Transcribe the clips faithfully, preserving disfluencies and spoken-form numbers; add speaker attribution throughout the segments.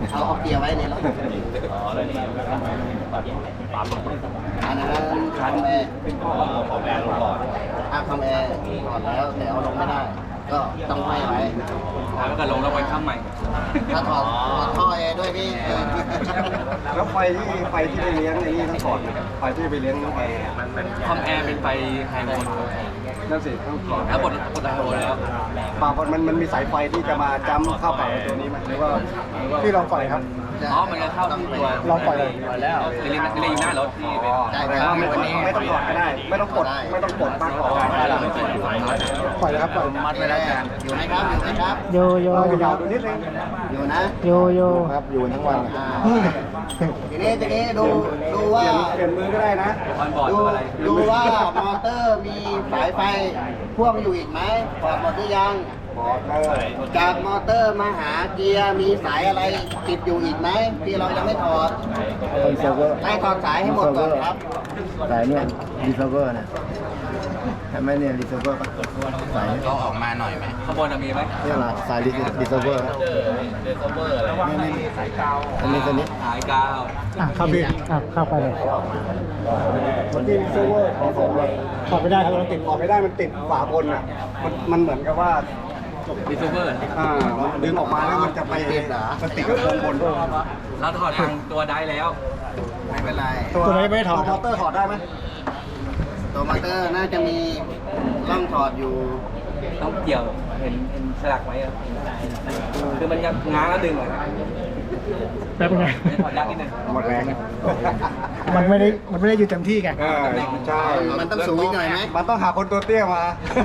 Speaker 1: เอาเอาเกียร์ไว้ในรถ
Speaker 2: อ๋อแล้วนี่ปั๊ม
Speaker 1: อันนั้นคอมแอร์
Speaker 2: คอมแอร์ลงก่อน
Speaker 1: อ่ะคอมแอร์ถอดแล้วแต่เอาลงไม่ได้ ก็ต้องห้อยไว้
Speaker 2: แล้วก็ลงแล้วไปข้ามใหม่
Speaker 1: ถ้าถอดถอดท่อแอร์ด้วยพี่
Speaker 3: แล้วไฟที่ไฟที่ไปเลี้ยงไอ้นี่ต้องถอดไหมไฟที่ไปเลี้ยงไฟ
Speaker 2: คอมแอร์เป็นไฟไฮโวลต์
Speaker 3: นั่นสิต้องถอด
Speaker 2: แล้วบดบดไฮโวลต์แล้ว
Speaker 3: ปากมันมันมีสายไฟที่จะมาจ้ำเข้ากับตัวนี้ไหมหรือว่าที่ลองปล่อยครับ
Speaker 2: อ๋อมันจะเข้าที่ตัว
Speaker 3: ลองปล่อยเลย
Speaker 1: ปล่อยแล้ว
Speaker 2: เรียนเรียนอยู่หน้ารถที่เป็น
Speaker 3: แต่ว่าไม่ต้องไม่ต้องถอดก็ได้ ไม่ต้องกดไม่ต้องกดปลั๊กออกได้แล้วปล่อยเลยครับปล่อย
Speaker 1: มัดไว้แล้วอยู่ไหมครับอยู่ไหมครับ
Speaker 4: โยโย
Speaker 3: ยาวดูนิดนึง
Speaker 1: อยู่นะ
Speaker 4: โยโย
Speaker 3: ครับอยู่ทั้งวัน
Speaker 1: อ่าทีนี้ทีนี้ดูดู
Speaker 3: เป
Speaker 1: ว่า
Speaker 3: ลี่ยนเปลี่ยนมือก็ได้นะ
Speaker 2: ออนบอร์ด
Speaker 1: ดู
Speaker 2: อะไร
Speaker 1: ดูว่ามอเตอร์มีสายไฟพ่วงอยู่อีกไหมถอดหมดหรือยัง
Speaker 3: บอกได้
Speaker 1: จากมอเตอร์มาหาเกียร์มีสายอะไรติดอยู่อีกไหมที่เรายังไม่ถอด
Speaker 3: คอนเซิร์ฟเวอร์
Speaker 1: ให้ถอดสายให้หมดก่อนครับ
Speaker 3: สายเนี่ยรีเซิร์ฟเวอร์นะใช่ไหมเนี่ยรีเซิร์ฟเวอร์สาย
Speaker 1: ก็ออกมาหน่อยไหม
Speaker 2: ขบวนมีไหม
Speaker 3: นี่อะไรสายรีเซิร์ฟเวอร์
Speaker 2: เดซเวอร์อะไร
Speaker 3: นี่นี่สายกาวอันนี้ตัวนี้
Speaker 2: หายกาว
Speaker 4: อ่ะเข้าไปอ่ะเข้าไปเลย
Speaker 3: มันมีรีเซิร์ฟเวอร์ของผมถอดไม่ได้ครับมันติดถอดไม่ได้มันติดฝาบนอ่ะมันมันเหมือนกับว่า
Speaker 2: ดิซเวอร์
Speaker 3: อ่าดึงออกมาแล้วมันจะไปมันติดกับข้างบน
Speaker 2: เราถอดทางตัวได้แล้ว
Speaker 1: ไม่เป็นไร
Speaker 3: ตัวไหนไม่ถอดมอเตอร์ถอดได้ไหม
Speaker 1: ตัวมอเตอร์น่าจะมีร่องถอดอยู่
Speaker 2: ต้องเกี่ยวเห็นเห็นฉลากไว้ครับคือมันยังง้างแล้วดึงเหรอครับ
Speaker 4: แป๊บนึง
Speaker 2: ถอดยากนิดนึง
Speaker 3: หมดแรง
Speaker 4: มันไม่ได้มันไม่ได้อยู่เต็มที่ไง
Speaker 3: เออใช่
Speaker 1: มันต้องสูงอีกหน่อยไหม
Speaker 3: มันต้องหาคนตัวเตี้ยมา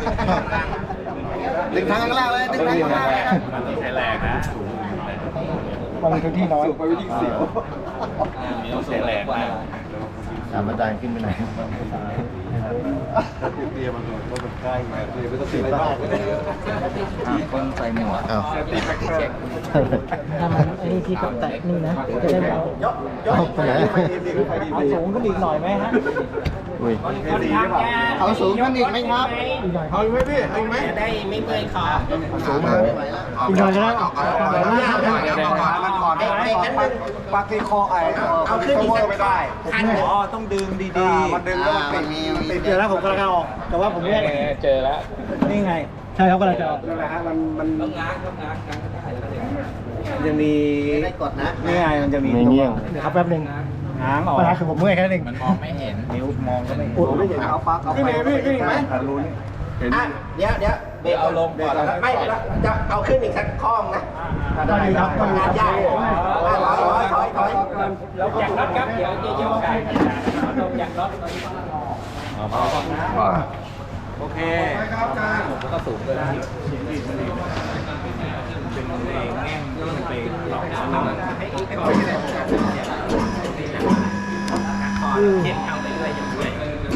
Speaker 1: ดึงทางข้างล่างเลยดึงทางข้างล่าง
Speaker 2: ใช้แรงนะ
Speaker 4: มันมีพื้นที่น้อย
Speaker 3: สูบไปวิ่งเสียว
Speaker 2: มีต้องใช้แรงมาก
Speaker 3: สามอาจารย์ขึ้นไปไหนเตี้ยมันหน่อยเพราะมันใกล้ไงเตี้ยไม่ต้องติดอะไรมาก
Speaker 2: คนใส่หมวก
Speaker 3: อ้าว
Speaker 4: ถ้ามันไอ้นี่พี่ก็แตะนี่นะจะได้เอา
Speaker 3: เอาไปไหน
Speaker 4: เอาสูงขึ้นอีกหน่อยไหมฮะ
Speaker 3: อุ้ย
Speaker 1: เอาสูงขึ้นอีกไหมครับ
Speaker 4: อีกหน่อย
Speaker 3: เอาอีกไหมพี่เอาอีกไหม
Speaker 1: ได้ไม่เมื่อยคอ
Speaker 3: สูงมา
Speaker 1: ไม่ไหวแล้ว
Speaker 4: อีกหน่อยก็ได้เอา
Speaker 3: เอาก่อนมันก่อนปักที่คอไอ้เอาขึ้นอีกไม่ได้
Speaker 2: อ๋อต้องดึงดี
Speaker 3: มันดึงแล้วมันติดติด
Speaker 4: เดี๋ยวแล้วผมกำลังจะออก แต่ว่าผมเนี่ย
Speaker 2: เจอแล้ว
Speaker 4: นี่ไง ใช่เขากำลังจะออก
Speaker 3: นั่นแหละฮะมันมัน
Speaker 2: ต้องง้างต้องง้างง้างได้
Speaker 3: จะมี
Speaker 1: ไม่ได้กดนะ
Speaker 3: นี่ไงมันจะมีเงี้ย
Speaker 4: เดี๋ยวครับแป๊บนึง
Speaker 3: ง้างออก
Speaker 4: ปัญหาคือผมเมื่อยแค่นั้นเอง
Speaker 2: มันมองไม่เห็นนิ้วมองก็ไม่
Speaker 3: อุดไม่เห็นเอาปักเอาไปพี่พี่ไหมรู้นี่เห็น
Speaker 1: อ่ะเดี๋ยวเดี๋ยว
Speaker 2: เดี๋ยวเอาลงก่อนแล้ว
Speaker 1: ไม่จะเอาขึ้นอีกสักข้องนะ
Speaker 4: ก็ดีครับก็ดี
Speaker 1: งาน
Speaker 4: ค
Speaker 1: ยา
Speaker 4: รั
Speaker 1: ก
Speaker 4: บ
Speaker 1: ถอยถอยถอยถอย
Speaker 2: แล้วจากน็อตครับเดี๋ยวจะยกไก่ลงจากน็อตโอเคครับอาจารย์แล้วก็สูงเลยเป็นเองแง่งที่มันเป็นหลอกน้ำให้ให้ก่อนเข้มเข้าไปเรื่อยอย่างเรื่อย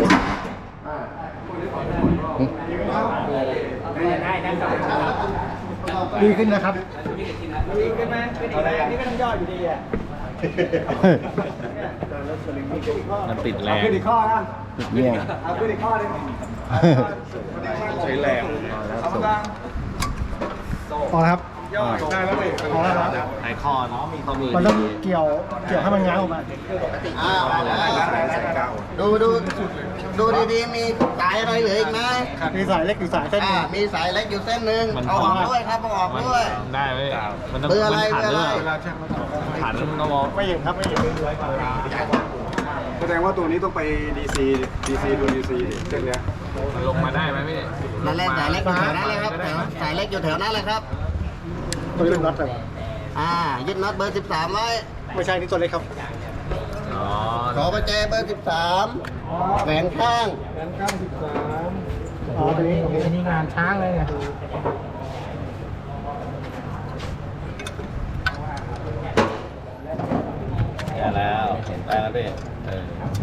Speaker 2: ได้ได้ครับ
Speaker 4: ดีขึ้นนะครับ
Speaker 2: ดีขึ้นไหมเป็นอีกแล้วนี่ก็ต้องย่ออยู่ดีอ่ะ
Speaker 3: มันติดแรเอางขึ้นอีกข้อนะ
Speaker 4: เยี่ยม
Speaker 3: เอาขึ้นอีกข้อนึงใช้แรง
Speaker 2: เอามา
Speaker 4: พอแล้วครับ
Speaker 3: ย่อได้แล้วเลย
Speaker 4: พอแล้วครับ
Speaker 2: ไอคอนเนาะมีข้อมือ
Speaker 4: มันต้องเกี่ยว เกี่ยวให้มันง้างออกมา
Speaker 1: อ้าวดูดูดูดีๆมีสายอะไรเหลืออีกไหม
Speaker 4: มีสายเล็กอยู่สายเส้นห
Speaker 1: อ่า
Speaker 4: นึง
Speaker 1: มีสายเล็กอยู่เส้นหนึ่งเอาออกด้วยครับเอาออกด้วย
Speaker 2: ได้ไหมมันต้อง
Speaker 1: เบอร์อะไร
Speaker 2: ขัน
Speaker 1: เบอร์
Speaker 2: ด้
Speaker 1: อะ
Speaker 2: วย
Speaker 1: ไร
Speaker 2: ขันต้องมอง
Speaker 4: ไม่เห็นครับไม่เห็น
Speaker 3: แสดงว่าตัวนี้ต้องไป ดี ซี ดี ซี ดู ดี ซีเส้นเนี้ย
Speaker 2: มันลงมาได้ไหมพี่
Speaker 1: นั่นแหละสายเล็กอยู่แถวนั้นเลยครับแถวสายเล็กอยู่แถวนั้นเลยครับ
Speaker 4: ตัวนี้เป็นน็อตเลย
Speaker 1: อ่ายึดน็อตเบอร์สิบสามไว้
Speaker 4: ไม่ใช่นี่ตัวเล็กครับ
Speaker 2: อ๋อ
Speaker 1: ขอประแจเบอร์สิบสามแหวนข้าง
Speaker 4: อ๋อตัวนี้อันนี้งานช้างเลยไง
Speaker 2: ได้แล้วได้แล้วพี่เออ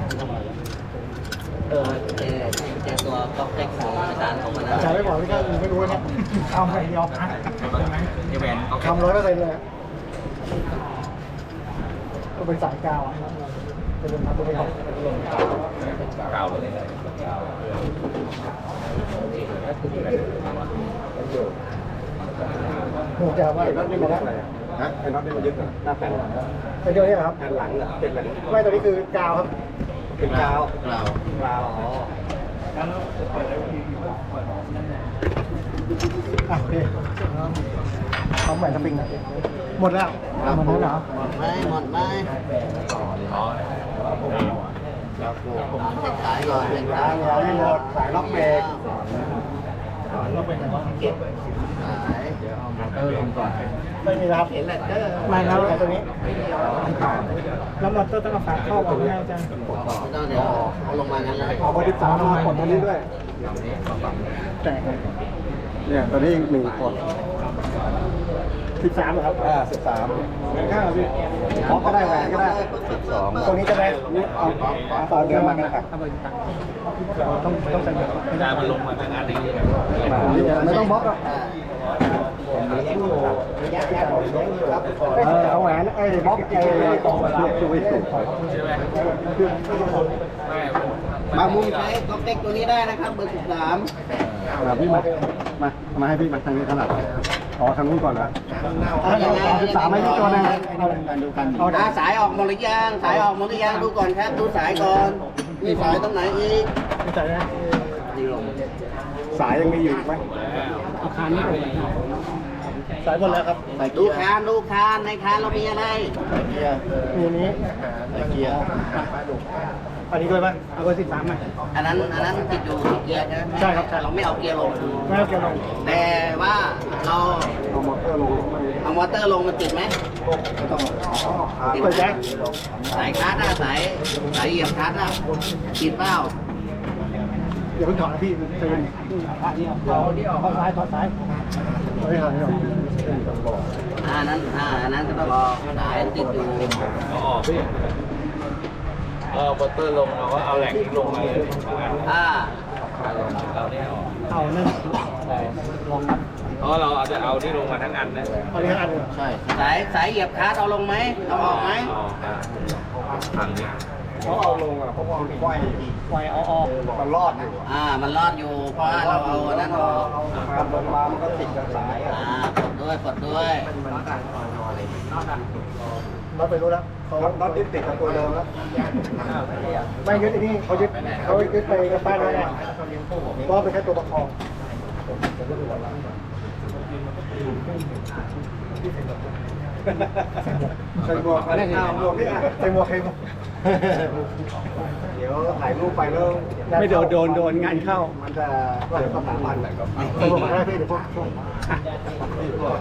Speaker 1: เออเจเจตัวก๊อกเล็กของอาจารย์ของมันนะ
Speaker 4: อาจารย์ไม่บอกนี่ก็ไม่รู้นะทำอย่างเดียวนะ
Speaker 2: นี่แหวนเอา
Speaker 4: ทำร้อยเปอร์เซ็นต์เลยก็เป็นสายกาวอ่ะจะเป็นทำตัวไม่ออก
Speaker 2: เก่าเลย
Speaker 4: หนูจะว่าอีกนิดนึงนะ
Speaker 3: ฮะไอ้น็อตนี่มันยึดหน้าแผ่น
Speaker 4: เป็นตัวนี้เหรอครับ
Speaker 3: แผ่นหลังเหรอเป็นอะไร
Speaker 4: ไม่ตัวนี้คือกาวครับ
Speaker 3: เป็นกาว
Speaker 1: เรา
Speaker 3: กาวอ๋อ
Speaker 4: อ่ะโอเคเอาใหม่สปริงนะหมดแล้วหมดแล้วเหรอ
Speaker 1: หมดไหมหมดไหมเราเช็คสายก่อนเช็คสายก่อน
Speaker 3: ให้หมดสายล็อกเบรก
Speaker 1: สาย
Speaker 2: เออลงก่อน
Speaker 4: ไม่มีแล้ว
Speaker 1: เห็นแหละเด้อ
Speaker 4: ไม่แล้วไอ้ตัวนี้แล้วมอเตอร์ต้องเอาฝาเข้าก่อนให้อาจารย์
Speaker 1: ไม่ต้องเดี๋ยวเอาลงมางั้นเลย
Speaker 3: ออกมาที่สามมากดตัวนี้ด้วย
Speaker 4: แตกเลย
Speaker 3: เนี่ยตัวนี้หนึ่งกด
Speaker 4: สิบสามเหรอครับ
Speaker 3: อ่าสิบสามข้างพี่ล็อกก็ได้แหวนก็ได้
Speaker 1: สอง
Speaker 4: ตัวนี้จะได้
Speaker 3: นี่เอาต่อเดือนมากันครับ
Speaker 4: ต้องต้องใส่แบบ
Speaker 2: อาจารย์มันลงมาทั้งอันนี้
Speaker 3: ไม่ต้องบล็อกหรอก
Speaker 4: เออเอาแหวนไอ้บล็อกไอ้ตรงเวลา
Speaker 3: ช่วยสุด
Speaker 2: ใช่ไหมไม่
Speaker 1: มามุมใช้ก๊อกเต็กตัวนี้ได้นะครับเบอร์สิบสาม
Speaker 3: มาพี่มา มา มาให้พี่มาทางนี้ถนัดอ๋อทางนู้นก่อนนะ
Speaker 4: เอาสิบสามให้พี่ตัวนึง
Speaker 3: ดูกัน
Speaker 4: เอา
Speaker 1: อ่าสายออกหมดหรือยังสายออกหมดหรือยังดูก่อนครับดูสายก่อนมีสายตรงไหนอีก
Speaker 4: ใส่ได้
Speaker 3: สายยังมีอยู่ไหม
Speaker 4: อาคารนี้สายหมดแล้วครับ
Speaker 1: ดูคานดูคานในคานเรามีอะไร
Speaker 3: เกียร์
Speaker 4: มีอันนี้
Speaker 3: เกียร์
Speaker 4: อันนี้ด้วยป่ะเอาเบอร์สิบสามไหม
Speaker 1: อันนั้นอันนั้นติดอยู่ที่เกียร์ใช่ไหม
Speaker 4: ใช่ครับใช่
Speaker 1: เราไม่เอาเกียร์ลง
Speaker 4: ไม่เอาเกี่ยวลง
Speaker 1: แต่ว่าเรา
Speaker 3: เอามอเตอร์ลง
Speaker 1: เอามอเตอร์ลงมันติดไหม
Speaker 3: ไม่ต้อง
Speaker 1: ติด
Speaker 4: เปิด
Speaker 1: ไหม
Speaker 4: แจ็ค
Speaker 1: สายคลัตช์อะสายสายเหยียบคลัตช์อะติดเปล่า
Speaker 4: อย่าเพิ่งถอดนะพี่ใจเย็นเอาที่ออกข้างซ้ายถอดซ้ายเอาไม่ถอดไม่ถอด
Speaker 1: อ่านั้นอ่าอันนั้นก็ต้องรอสายติดอยู่
Speaker 2: เอาออกพี่เออบัตเตอร์ลงเราก็เอาแหล่งนี้ลงมาเลย
Speaker 1: อ่า
Speaker 2: เราเนี่ยออก
Speaker 4: เอานั่นลองครับ
Speaker 2: เพราะเราจะเอาที่ลงมาทั้งอันนะ
Speaker 4: เอานี้อันหนึ่ง
Speaker 1: ใช่สายสายเหยียบคลัตช์เอาลงไหมเอาออกไหม
Speaker 2: เอาอ่ะทางนี้
Speaker 3: เขาเอาลงอ่ะเพราะว่ามันไขว้
Speaker 4: ไฟเอาออก
Speaker 3: มันรอดอยู่
Speaker 1: อ่ามันรอดอยู่เพราะว่าเราเอาอันนั้นออก
Speaker 3: มันลงมามันก็ติดกับสายอ่ะ
Speaker 1: อ่ากดด้วยกดด้วย
Speaker 4: เราไปรู้แล้วเขา
Speaker 3: น็อตยึดติดกับตัวเดิมแล้ว
Speaker 4: ไม่ยึดไอ้นี่เขายึดเขายึดไปกับป้ายนั่นแหละเพราะเป็นแค่ตัวประคอง
Speaker 3: ใส่หมวกอะไรเอาหมวกนี่อ่ะ
Speaker 4: ใส่หมวกใส่หมวก
Speaker 3: เดี๋ยวถ่ายรูปไปแล้ว
Speaker 4: ไม่โดนโดนโดนงานเข้า
Speaker 3: มันจะเกิดสถาบันไหนก็
Speaker 4: ใส่หมวกมาได้พี่เดี๋ยวพวกพวก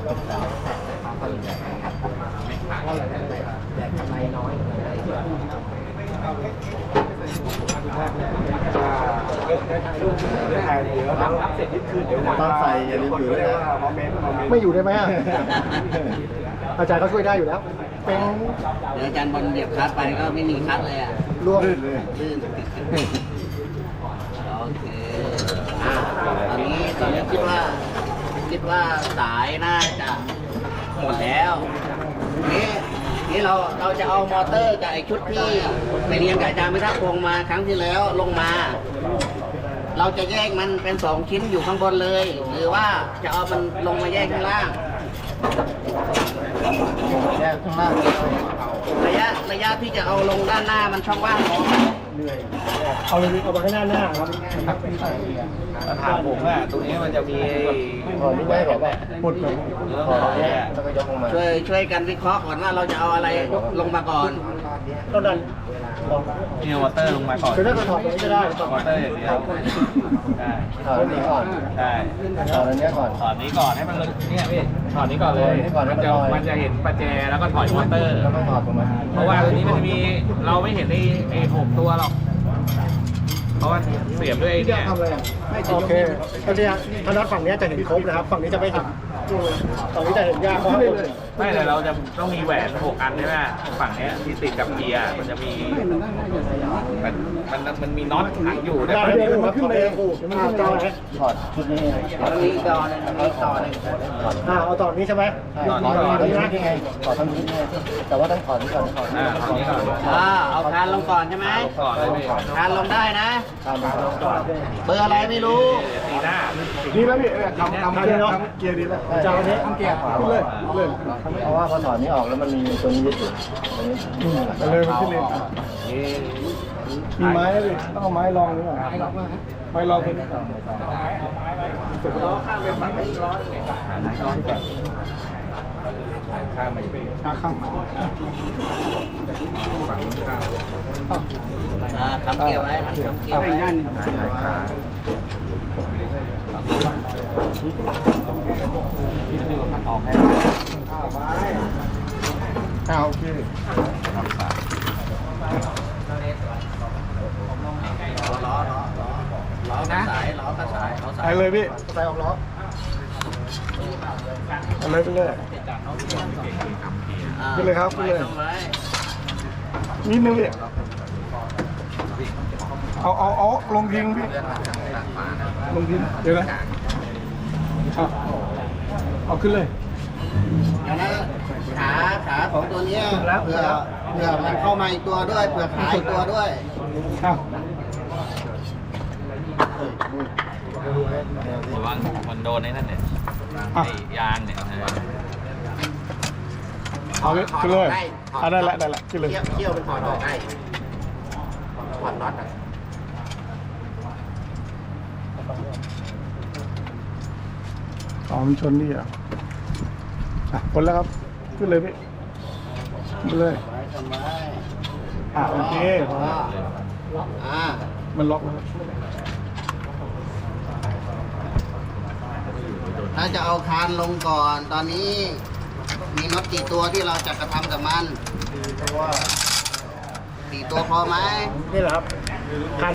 Speaker 3: ถ่ายเดี๋ยวรับเสร็จยึดคืนเดี๋ยวตอนใส่อย่าลืมอยู่ด้วยนะโมเมนต์โมเมนต์
Speaker 4: ไม่อยู่ได้ไหมอ่ะ อาจารย์เขาช่วยได้อยู่แล้ว เป็น
Speaker 1: เดี๋ยวอาจารย์บอลเหยียบคลัตช์ไปก็ไม่มีคลัตช์เลยอ่ะ
Speaker 4: รวม
Speaker 3: ลื่นเลย
Speaker 1: ลื่นโอเคอ่าตอนนี้ตอนนี้คิดว่าคิดว่าสายน่าจะหมดแล้วนี่นี่เราเราจะเอามอเตอร์กับไอชุดที่ไปเรียนกับอาจารย์พิทักษ์พงษ์มาครั้งที่แล้วลงมา เราจะแยกมันเป็นสองชิ้นอยู่ข้างบนเลย หรือว่าจะเอามันลงมาแยกข้างล่าง แยกข้างล่างระยะระยะที่จะเอาลงด้านหน้ามันช่องว่างพอไหม
Speaker 4: เอาเลยเอาไปข้างหน้าหน้าครับ
Speaker 2: ถามผมอ่ะตรงนี้มันจะมี
Speaker 3: ถอดนี่ได้หรอป่ะ
Speaker 4: ปุดเลย
Speaker 2: ถอดเนี่ย
Speaker 3: แล้วก็ยกลงมา
Speaker 1: ช่วยช่วยกันวิเคราะห์ก่อนว่าเราจะเอาอะไรลงมาก่อน
Speaker 4: ต้นนั้นลอง
Speaker 2: นี่เอาวอเตอร์ลงมาก่อน
Speaker 4: คือถ้าเราถอดตรงนี้ก็ได้
Speaker 2: วอเตอร์อย่างเดียวได้
Speaker 3: ถอดนี้ก่อน
Speaker 2: ได้
Speaker 3: ถอดอันนี้ก่อน
Speaker 2: ถอดนี้ก่อนให้มันเลยเนี่ยพี่ถอดนี้ก่อนเลย
Speaker 3: ถอดนี้ก่อนให้
Speaker 2: มัน
Speaker 3: มัน
Speaker 2: จะ
Speaker 3: ลอย
Speaker 2: มันจะเห็นประแจแล้วก็ถอยมอเตอร์
Speaker 3: แล้วก็ถอดลงมา
Speaker 2: เพราะว่าตัวนี้มันจะมีเราไม่เห็นไอ้ไอ้หกตัวหรอก เพราะว่าเสียบด้วยไอ้เนี่ย
Speaker 4: ทำอะไรอ่ะโอเคตอนนี้ทางด้านฝั่งนี้จะเห็นครบนะครับ ฝั่งนี้จะไม่เห็นฝั่งนี้จะเห็นยากเพราะ
Speaker 2: ไม่แต่เราจะต้องมีแหวนหกอันใช่ไหมฝั่งเนี้ยที่ติดกับเกียร์มันจะมีมันมันมันมีน็อตขังอยู่
Speaker 4: เวลาเดินมันขึ้นไปขู่มันขึ้นไป
Speaker 3: ถอดชุดนี้
Speaker 1: ตรงนี้ก่อนตรงนี้ต่อหนึ่ง
Speaker 4: อ่าเอาต่อนี้ใช่ไหม
Speaker 3: ถอดถอดนี้ยังไงถอดทั้งชุดนี่แต่ว่าต้องถอดนี้ก่อนถอด
Speaker 2: อ่าฝั่งนี้ก่อน
Speaker 1: อ่าเอาคานลงก่อนใช่ไหม
Speaker 2: ก่อนเลยพี่
Speaker 1: คานลงได้นะ
Speaker 3: ตามมา
Speaker 1: เบอร์อะไรไม่รู้
Speaker 2: ตีหน้า
Speaker 4: ดีแล้วพี่ทำทำเกียร์เนาะเกียร์ดีแล้วจะเอาอันนี้
Speaker 3: เกียร์ขวาเลย
Speaker 4: เลย
Speaker 3: เพราะว่าพอถอดนี้ออกแล้วมันมีตัวนี้ยึดอยู่
Speaker 4: อืมไปเลยมันขึ้นเลยอ่ะมีไม้ไหมพี่ต้องเอาไม้รองหรือเปล่าไม้รองเป็นล้อข้างเป็นไม้ร้อนร้อนแบบข้างมันข้างข้าง
Speaker 1: อ่าทำเกี่ยวไว้ทำเกี่ยวไว้
Speaker 4: ด้าน
Speaker 3: อ่าโอเค
Speaker 1: ล้อล้อล้อล้อกระสายล้อกระสายล้อสา
Speaker 4: ไป
Speaker 1: ย
Speaker 4: เลยพี่
Speaker 3: ใส่ออกล้อ
Speaker 4: ไปเลยไปเลย
Speaker 1: อ่า
Speaker 4: ขึ้นเลยครับขึ้นเลย
Speaker 1: ทำไว้
Speaker 4: นิดนึงพี่เอาเอาเอาลงทิ้งพี่ลงทิ้งเดี๋ยวนะเอาเอาขึ้นเลย
Speaker 1: อันนั้นขาขาของตัวเนี้ยเผื่อเผื่อมันเข้ามาอีกตัวด้วยเผื่อขาอีกตัวด้วย
Speaker 4: เอา
Speaker 2: ระวังมันโดนไอ้นั่นเนี่ย
Speaker 4: อ่ะ
Speaker 2: ไอ้ยางเนี่ยเออ
Speaker 4: เอาเลยขึ้นเลยเอาได้ละได้ละขึ้นเลย
Speaker 1: เขี้ยวเขี้ยวเป็นถอดออกได้ถอดน็อตอ่ะ
Speaker 4: อ๋อมันชนนี่อ่ะอ่ะพ้นแล้วครับขึ้นเลยพี่ขึ้นเลย
Speaker 1: ไว้ทำไว้
Speaker 4: อ่ะโอเค
Speaker 1: อ่า
Speaker 4: มันล็อกแล้วครับ
Speaker 1: ถ้าจะเอาคานลงก่อน ตอนนี้มีน็อตกี่ตัวที่เราจะกระทำกับมันสี่ตัวพอไหม
Speaker 4: นี่แหละครับ